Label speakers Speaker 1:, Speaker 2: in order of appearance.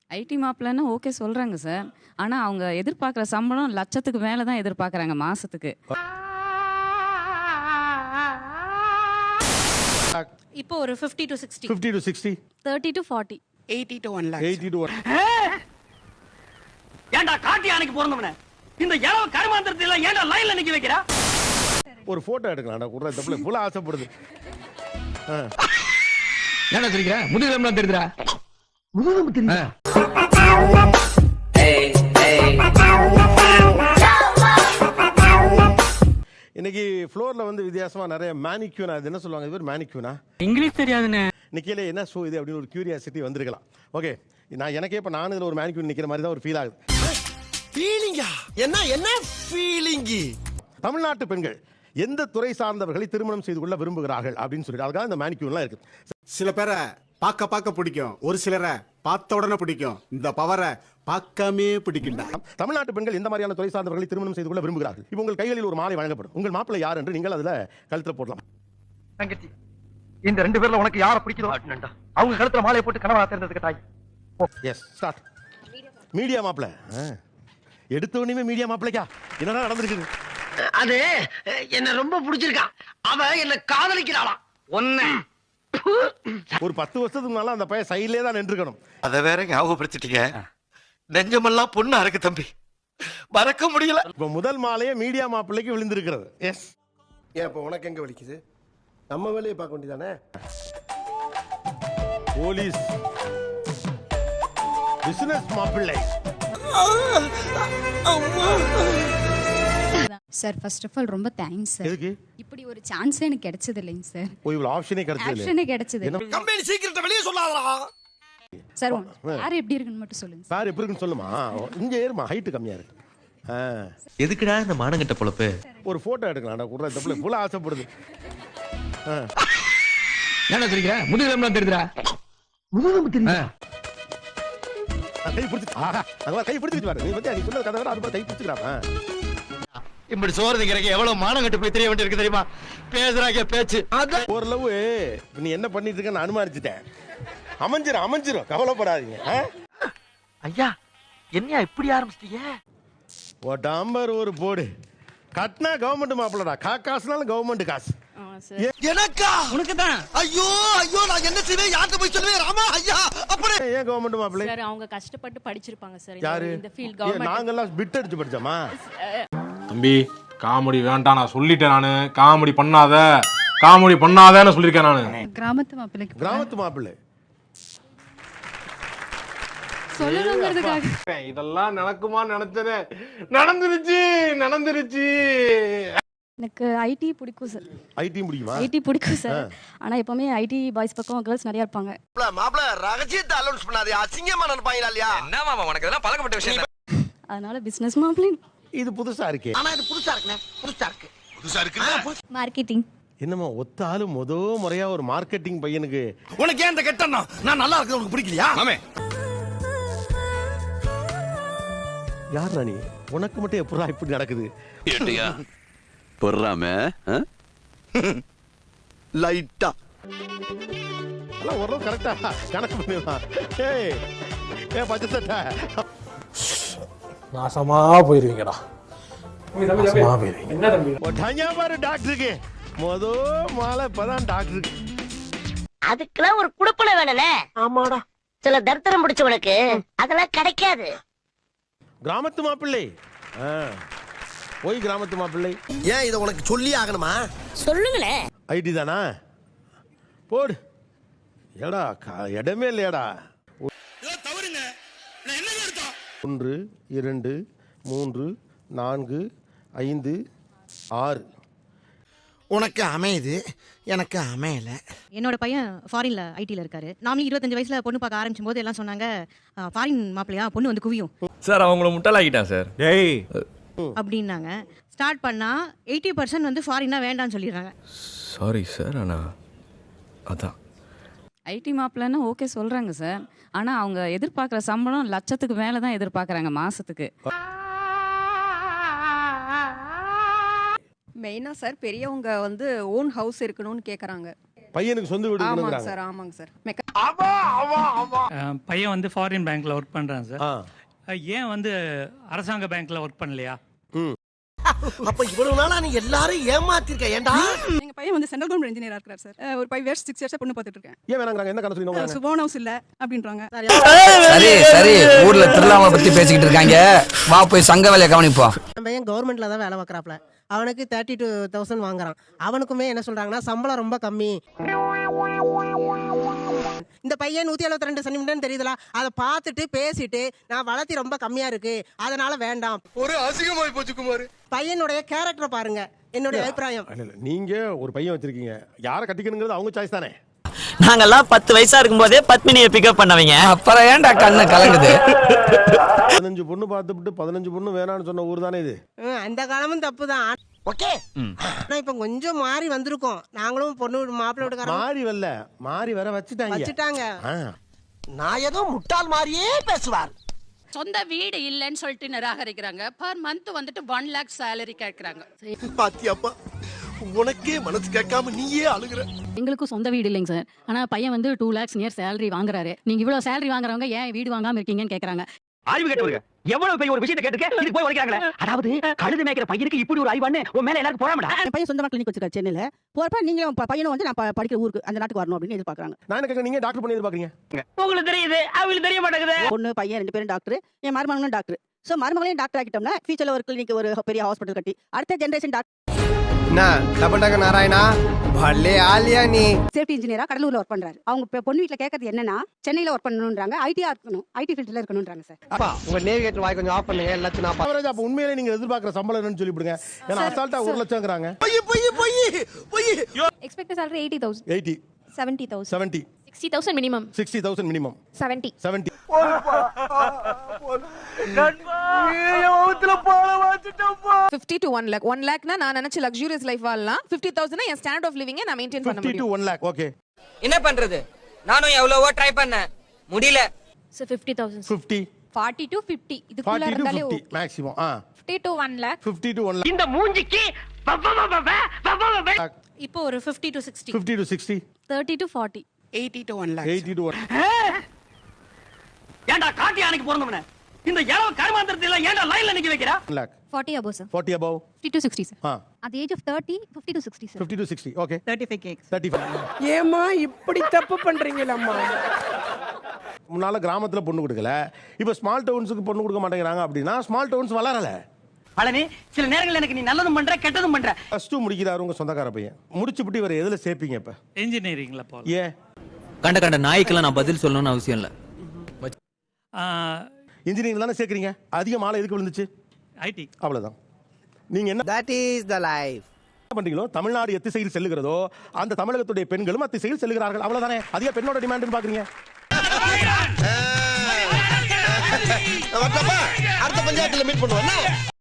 Speaker 1: ID மாப்பிள்ளைன்னா okay சொல்றாங்க sir. ஆனா அவங்க எதிர்பார்க்குற சம்பளம் லட்சத்துக்கு மேல தான் எதிர்பார்க்குறாங்க மாசத்துக்கு.
Speaker 2: இப்போ ஒரு 50 to 60,
Speaker 3: 50 to 60,
Speaker 2: 30 to 40,
Speaker 4: 80 to 1 lakh.
Speaker 3: 80 to 1.
Speaker 5: ஏன்டா காட்டி ஆணைக்கு பிறந்தவனே இந்த இளவு கருமாந்திரத்துல ஏன்டா லைன்ல நிக்க வைக்கிறா?
Speaker 3: ஒரு போட்டோ எடுக்கலாம்டா குடுற தப்புல இவ்வளவு ஆசைப்படுது.
Speaker 6: என்ன சொல்லிக்கிற? முதுகெலும்புலாம் தெரியுதுடா. முதுகெலும்பு தெரியுதா?
Speaker 3: இன்னைக்கு ஃப்ளோர்ல வந்து வித்தியாசமா நிறைய மேனிக்யூனா, அது என்ன சொல்லுவாங்க, இது பேர் மேனிக்யூனா?
Speaker 5: இங்கிலீஷ் தெரியாதுனே.
Speaker 3: நிக்கல என்ன ஷோ இது அப்படின்னு ஒரு கியூரியாசிட்டி வந்திருக்கலாம். ஓகே, நான் எனக்கே இப்ப நான் இதுல ஒரு மேனிக்யூன் நிக்கிற மாதிரி தான் ஒரு ஃபீல் ஆகுது.
Speaker 7: ஃபீலிங்கா? என்ன ஃபீலிங்?
Speaker 3: தமிழ்நாட்டு பெண்கள் எந்த துறை சார்ந்தவர்களை திருமணம் செய்து கொள்ள விரும்புகிறார்கள் அப்படின்னு சொல்லிட்டு அதுக்காக இந்த மேனிக்யூன்லாம் இருக்கு.
Speaker 8: சில பேரை பார்க்க பிடிக்கும், ஒரு சிலரை பார்த்த உடனே பிடிக்கும். இந்த பவரை பார்க்காமே பிடிக்கும்டா.
Speaker 3: தமிழ்நாட்டு பெண்கள் எந்த மாதிரியான துறை சார்ந்தவர்களை திருமணம் செய்து கொள்ள விரும்புகிறார்கள்? இப்போ உங்கள் கைகளில் ஒரு மாலை வழங்கப்படும். உங்கள் மாப்பிள்ளை யார் என்று நீங்கள் அதுல கழுத்துல போடலாம்.
Speaker 5: தங்கச்சி, இந்த ரெண்டு பேர்ல உனக்கு யாரை பிடிக்குதோ அவங்க கழுத்துல மாலையை போட்டு கனவா தேர்ந்ததுக்கு தாய்.
Speaker 3: S, start. மீடியா மாப்பிள்ளை. எடுத்த உடனே மீடியா மாப்பிள்ளைக்கா என்னடா நடந்திருக்கு?
Speaker 5: அது என்ன ரொம்ப பிடிச்சிருக்கா. அவ என்ன காதலிக்கிறாளாம். ஒன்னு
Speaker 3: ஒரு 10 வருஷத்துக்கு முன்னால அந்த பையன் சைட்லயே தான் நின்றுக்கணும்.
Speaker 7: அத வேற ஞாபகப்படுத்திட்டீங்க. நெஞ்சமெல்லாம் பொண்ணா இருக்கு தம்பி, மறக்க முடியல.
Speaker 3: இப்ப முதல் மாலையே மீடியா மாப்பிள்ளைக்கு விழுந்திருக்கிறது. எஸ்.
Speaker 8: ஏன் இப்ப உனக்கு எங்க வலிக்குது? நம்ம வேலையை பார்க்க வேண்டியதானே.
Speaker 3: போலீஸ் பிசினஸ் மாப்பிள்ளை.
Speaker 9: சார் ஃபர்ஸ்ட் ஆஃப் ஆல் ரொம்ப தேங்க்ஸ் சார்.
Speaker 3: எதுக்கு?
Speaker 9: இப்படி ஒரு சான்ஸ் எனக்கு கிடைச்சது இல்லைங்க சார்.
Speaker 3: ஓ, இவ்வளவு ஆப்ஷனே கிடைச்சது இல்ல.
Speaker 9: ஆப்ஷனே கிடைச்சது.
Speaker 8: கம்பெனி சீக்கிரத்தை வெளியே சொல்லாதடா.
Speaker 9: சார் யார் எப்படி இருக்குன்னு மட்டும் சொல்லுங்க சார்.
Speaker 3: சார் எப்படி இருக்குன்னு சொல்லுமா. இங்க ஏறுமா, ஹைட் கம்மியா இருக்கு.
Speaker 7: எதுக்குடா இந்த மானங்கட்ட பொழப்பு?
Speaker 3: ஒரு போட்டோ எடுக்கலாம்டா குடுற தப்புல இவ்வளவு ஆசைப்படுது.
Speaker 6: என்ன சொல்லிக்கிற? முதுகெலும்புலாம் தெரியுதுடா. முதுகெலும்பு தெரியுதா?
Speaker 3: கை பிடிச்சு அங்க கை பிடிச்சிட்டு பாரு. நீ வந்து நீ சொன்னது கதை வேற, அது கை பிடிச்சுக்கறாமா.
Speaker 7: இப்படி சோறுங்கிறக்கு எவ்வளவு மானங்கட்ட போய் தெரிய வேண்டியிருக்கு தெரியுமா? பேசுறாங்க பேச்சு.
Speaker 3: ஒரு லவ் நீ என்ன பண்ணிட்டு இருக்க நான் அனுமானிச்சிட்டேன். அமைஞ்சிரும் கவலைப்படாதீங்க.
Speaker 5: ஐயா, என்னையா இப்படி ஆரம்பிச்சிட்டீங்க?
Speaker 3: ஒட்டாம்பர் ஒரு போடு. கட்டினா கவர்மெண்ட் மாப்பிள்ளடா. காசுனாலும் கவர்மெண்ட் காசு.
Speaker 7: எனக்கா?
Speaker 5: உனக்கு தான்.
Speaker 7: ஐயோ நான் என்ன செய்வேன்? யார்கிட்ட போய் சொல்லுவேன்? ராமா ஐயா அப்படி
Speaker 3: ஏன் கவர்மெண்ட் மாப்பிள்ளை?
Speaker 2: சார் அவங்க கஷ்டப்பட்டு படிச்சிருப்பாங்க சார்.
Speaker 3: யாரு?
Speaker 2: இந்த ஃபீல்ட் கவர்மெண்ட்.
Speaker 3: நாங்கெல்லாம் பிட் அடிச்சு படிச்சோமா?
Speaker 10: தம்பி, காமெடி வேண்டாம், நான் சொல்லிட்டேன். நானு காமெடி பண்ணாதன்னு சொல்லியிருக்கேன் நானு.
Speaker 9: கிராமத்து மாப்பிள்ளைக்கு
Speaker 3: கிராமத்து மாப்பிள்ளை
Speaker 9: சொல்லணுங்கிறதுக்காக
Speaker 10: இதெல்லாம் நடக்குமா நினைச்சதே நடந்துருச்சு.
Speaker 2: எனக்கு ஐடி பிடிக்கும் சார்.
Speaker 3: ஐடி முடியுமா?
Speaker 2: ஐடி பிடிக்கும் சார். ஆனா எப்பவுமே ஐடி பாய்ஸ் பக்கம் கேர்ள்ஸ் நிறைய இருப்பாங்க.
Speaker 7: மாப்ள ரகசியத்தை அலௌன்ஸ் பண்ணாதே, அசிங்கமா நினைப்பாங்களா இல்லையா? என்ன மாமா உனக்கு இதெல்லாம் பழக்கப்பட்ட விஷயம்.
Speaker 2: அதனால பிசினஸ் மாப்பிள்ளை.
Speaker 3: இது புதுசா இருக்கே.
Speaker 7: ஆனா இது புதுசா இருக்கு.
Speaker 2: மார்க்கெட்டிங்.
Speaker 3: என்னமா ஒத்த ஆளு முறையா ஒரு மார்க்கெட்டிங் பையனுக்கு.
Speaker 7: உனக்கு ஏன் இந்த கெட்டனா? நான் நல்லா இருக்கிறது உனக்கு பிடிக்கலையா? ஆமே.
Speaker 3: யார் ராணி? உனக்கு மட்டும் எப்படா இப்படி நடக்குது?
Speaker 7: ஏட்டியா பொறாம லைட்டா
Speaker 3: எல்லாம் ஓரளவு கரெக்டா கணக்கு பண்ணிடலாம். பச்சை சட்டை
Speaker 10: நாசமா போயிருவீங்கடா. என்ன தம்பி
Speaker 3: பாரு டாக்டருக்கு மாலை இப்பதான் டாக்டருக்கு.
Speaker 11: அதுக்கெல்லாம் ஒரு குடுப்பனை வேணும்ல. ஆமாடா, சில தர்த்தரம் பிடிச்சவனுக்கு அதெல்லாம் கிடைக்காது.
Speaker 3: கிராமத்து மாப்பிள்ளை. போய் கிராமத்து மாப்பிள்ளை.
Speaker 7: ஏன் இதை உனக்கு சொல்லி ஆகணுமா?
Speaker 11: சொல்லுங்களேன்.
Speaker 3: ஐடி தானா? போடு. ஏடா இடமே இல்லையாடா. 1 2 3 4 5 6.
Speaker 7: உனக்கு அமையுது, எனக்கு அமையல.
Speaker 2: என்னோட பையன் ஃபாரின்ல ஐடில இருக்காரு. நாமளும் 25 வயசுல பொண்ணு பார்க்க ஆரம்பிச்சும் போது எல்லாம் சொன்னாங்க, ஃபாரின் மாப்பிள்ளையா பொண்ணு வந்து குவியும்
Speaker 6: சார். அவங்கள முட்டாளாக்கிட்டான் சார்.
Speaker 8: டேய்
Speaker 2: அப்படின்னாங்க. ஸ்டார்ட் பண்ணா 80% வந்து ஃபாரினா வேண்டாம்னு சொல்லிடுறாங்க.
Speaker 6: சாரி சார், ஆனா அதான்
Speaker 1: ஐடி மாப்பிள்ளைன்னா ஓகே சொல்றாங்க சார். ஆனா அவங்க எதிர்பார்க்குற சம்பளம் லட்சத்துக்கு மேல தான் எதிர்பார்க்குறாங்க மாசத்துக்கு.
Speaker 4: மெயினா சார் பெரியவங்க வந்து ஓன் ஹவுஸ் இருக்கணும்னு கேக்குறாங்க.
Speaker 3: பையனுக்கு சொந்த வீடு
Speaker 9: ஆமாங்க
Speaker 3: இருக்கணுங்கிறாங்க.
Speaker 9: சார் ஆமாங்க சார்
Speaker 6: பையன் வந்து ஃபாரின் பேங்க்ல ஒர்க் பண்றான் சார்.
Speaker 3: ஆ.
Speaker 6: ஏன் வந்து அரசாங்க பேங்க்ல ஒர்க் பண்ணலையா?
Speaker 7: அப்ப இவ்வளவு நாளா நீ எல்லாரும் ஏமாத்திருக்க ஏன்டா?
Speaker 9: எங்க பையன் வந்து சென்ட்ரல் கவர்மெண்ட் இன்ஜினியரா இருக்கார் சார். ஒரு 5 இயர்ஸ் 6 இயர்ஸ் பொண்ணு பார்த்துட்டு இருக்கேன்.
Speaker 3: ஏன் வேணாங்கறாங்க? என்ன கணக்கு சொல்லினோங்க?
Speaker 9: ஓன் ஹவுஸ் இல்ல அப்படின்றாங்க.
Speaker 6: சரி சரி, ஊர்ல திருவிழாவை பத்தி பேசிக்கிட்டு இருக்காங்க, வா போய் சங்க வேலையை கவனிப்போம்.
Speaker 2: நம்ம பையன் கவர்மெண்ட்ல தான் வேலை பார்க்கறாப்ல. அவனுக்கு 32,000 வாங்குறான். அவனுக்குமே என்ன சொல்றாங்கன்னா சம்பளம் ரொம்ப கம்மி. இந்த பையன் 172 சென்டிமீட்டர் தெரியுதுல, அதை பார்த்துட்டு பேசிட்டு நான் வளர்த்தி ரொம்ப கம்மியா இருக்கு அதனால வேண்டாம்.
Speaker 7: ஒரு அசிங்கமாய் போச்சு குமார்.
Speaker 2: பையனுடைய கேரக்டர் பாருங்க, என்னுடைய அபிப்பிராயம்.
Speaker 3: இல்ல, இல்ல, நீங்க ஒரு பையன் வச்சிருக்கீங்க, யாரை கட்டிக்கணுங்கிறது அவங்க சாய்ஸ் தானே.
Speaker 11: நாங்கெல்லாம் 10 வயசா இருக்கும்போதே பத்மினியை பிக்கப் பண்ணவங்க.
Speaker 6: அப்புறம் ஏன்டா கண்ணு கலங்குது?
Speaker 3: 15 பொண்ணு பார்த்துட்டு 15 பொண்ணு வேணாம்னு சொன்ன ஊர் தானே இது.
Speaker 2: அந்த காலமும் தப்பு தான்.
Speaker 11: ஓகே.
Speaker 2: ஆனா இப்ப கொஞ்சம் மாறி வந்திருக்கோம். நாங்களும் பொண்ணு மாப்பிள்ளை வீட்டுக்காரங்க
Speaker 3: மாறி வரல, மாறி வர வச்சுட்டாங்க. ஆ.
Speaker 7: நான் ஏதோ முட்டாள் மாதிரியே பேசுவார்.
Speaker 1: சொந்த வீடு இல்லைன்னு சொல்லிட்டு நிராகரிக்கிறாங்க. பர் மந்த் வந்துட்டு 1 lakh சேலரி கேட்கறாங்க.
Speaker 7: பாத்தியாப்பா, உனக்கே மனசு கேட்காம நீயே அழுகுற.
Speaker 1: எங்களுக்கும் சொந்த வீடு இல்லைங்க சார். ஆனா பையன் வந்து 2 lakhs நியர் சேலரி வாங்குறாரு. நீங்க இவ்வளவு சேலரி வாங்குறவங்க ஏன் வீடு வாங்காம இருக்கீங்கன்னு கேக்குறாங்க.
Speaker 5: அறிவு கேட்டவங்க எவ்வளவு பெரிய ஒரு விஷயத்தை கேட்டுக்க இதுக்கு போய் உடைக்கிறாங்களே. அதாவது கழுது மேய்க்கிற பையனுக்கு இப்படி ஒரு அறிவான்னு உன் மேல எல்லாரும் போறாமடா.
Speaker 2: என் பையன் சொந்தமா கிளினிக் வச்சிருக்காரு சென்னையில. போறப்ப நீங்களும் பையனும் வந்து நான் படிக்கிற ஊருக்கு அந்த நாட்டுக்கு வரணும் அப்படின்னு எதிர்பார்க்கறாங்க.
Speaker 3: நான் என்ன கேட்க, நீங்க டாக்டர் பண்ணி எதிர்பார்க்கறீங்க?
Speaker 5: உங்களுக்கு தெரியுது, அவங்களுக்கு தெரிய மாட்டேங்குது.
Speaker 2: பொண்ணு பையன் 2 பேரும் டாக்டர், என் மருமகனும் டாக்டர். சோ மருமகளையும் டாக்டர் ஆக்கிட்டோம்னா ஃபியூச்சர்ல ஒரு கிளினிக் ஒரு பெரிய ஹாஸ்பிடல் கட்டி அடுத்த ஜெனரேஷன் டாக்டர்.
Speaker 5: டபண்டக நாராயணா பல்லே ஆலியா நீ.
Speaker 9: சேஃப்டி இன்ஜினியரா கடலூர்ல ஒர்க் பண்றாரு. அவங்க பொண்ணு வீட்ல கேட்கறது என்னன்னா சென்னையில ஒர்க் பண்ணணும்ன்றாங்க, ஐடியா இருக்கணும், ஐடி ஃபீல்ட்ல இருக்கணும்ன்றாங்க சார்.
Speaker 5: அப்பா உங்க நேவிகேட்டர் வாய் கொஞ்சம் ஆஃப் பண்ணுங்க, எல்லாத்தையும் நான்
Speaker 3: அவரேஜ் அப்ப உண்மையிலே நீங்க எதிர்பார்க்கிற சம்பளம் என்னன்னு சொல்லிவிடுங்க. ஏன்னா அசால்ட்டா 1 லட்சம்ங்கறாங்க.
Speaker 9: Expected salary 80,000
Speaker 3: 80
Speaker 9: 70,000
Speaker 3: 70
Speaker 9: 60,000 minimum
Speaker 3: 60,000 minimum
Speaker 9: 70
Speaker 3: 70.
Speaker 9: 50 to 1 lakh 1 lakh னா நான் நினைச்ச லக்ஸூரியஸ் லைஃப் வாழலாம். 50,000 னா என் ஸ்டாண்டர்ட் ஆஃப் லிவிங் நான் மெயின்டைன் பண்ண
Speaker 3: 50 to
Speaker 9: முடியும்.
Speaker 3: 1 lakh. ஓகே.
Speaker 11: என்ன பண்றது, நானும் எவ்வளவோ ட்ரை பண்ணேன், முடியல.
Speaker 9: So 50,000
Speaker 3: 50
Speaker 9: 40 to 50 இதுக்குள்ள
Speaker 3: 40 to
Speaker 9: இருந்தாலே
Speaker 3: 50 maximum.
Speaker 9: 50 to 1 lakh
Speaker 3: 50 to 1 lakh.
Speaker 5: இந்த மூஞ்சிக்கு
Speaker 9: இப்போ ஒரு 50 to 60
Speaker 3: 50 to 60
Speaker 9: 30 to 40
Speaker 2: 80 to 1 lakh
Speaker 3: 80 to 1
Speaker 5: ஏன்டா காட்டி யானைக்கு பிறந்தவனே இந்த இளவ கருமாந்திரத்துல ஏன்டா லைன்ல நிக்க வைக்கிறா?
Speaker 3: 1 lakh
Speaker 9: 40 above sir
Speaker 3: 40 above
Speaker 9: 50 to 60 sir.
Speaker 3: Ah
Speaker 9: At the age of 30 50 to 60 sir.
Speaker 3: 50 to 60 okay.
Speaker 2: 35 cakes
Speaker 3: 35.
Speaker 2: ஏமா இப்படி தப்பு பண்றீங்களம்மா?
Speaker 3: முன்னால கிராமத்துல பொண்ணு கொடுக்கல, இப்ப ஸ்மால் டவுன்ஸ்க்கு பொண்ணு கொடுக்க மாட்டேங்கிறாங்க. அப்படின்னா ஸ்மால் டவுன்ஸ் வளரல.
Speaker 5: பழனி சில நேரங்கள்ல எனக்கு நீ நல்லதும் பண்ற கெட்டதும் பண்ற.
Speaker 3: +2 முடிக்கிறாரு உங்க சொந்தக்கார பையன். முடிச்சுட்டு இவரை எதுல சேர்ப்பீங்க இப்ப?
Speaker 6: இன்ஜினியரிங்ல போல.
Speaker 3: ஏன்
Speaker 6: கண்ட கண்ட நாய்க்கெல்லாம் நான் பதில் சொல்லணும்னு அவசியம் இல்ல.
Speaker 3: இன்ஜினியரிங் தானே சேர்க்கறீங்க? அதிக மாலை எதுக்கு விழுந்துச்சு?
Speaker 6: ஐடி.
Speaker 3: அவ்வளவுதான். நீங்க என்ன
Speaker 5: That is the life.
Speaker 3: பண்றீங்களோ, தமிழ்நாடு எத்திசையில் செல்லுகிறதோ அந்த தமிழகத்துடைய பெண்களும் அத்திசையில் செல்லுகிறார்கள். அவ்வளவுதானே. அதிக பெண்ணோட டிமாண்ட்னு பாக்குறீங்க.
Speaker 7: அடுத்த பஞ்சாயத்துல மீட் பண்ணுவோம்.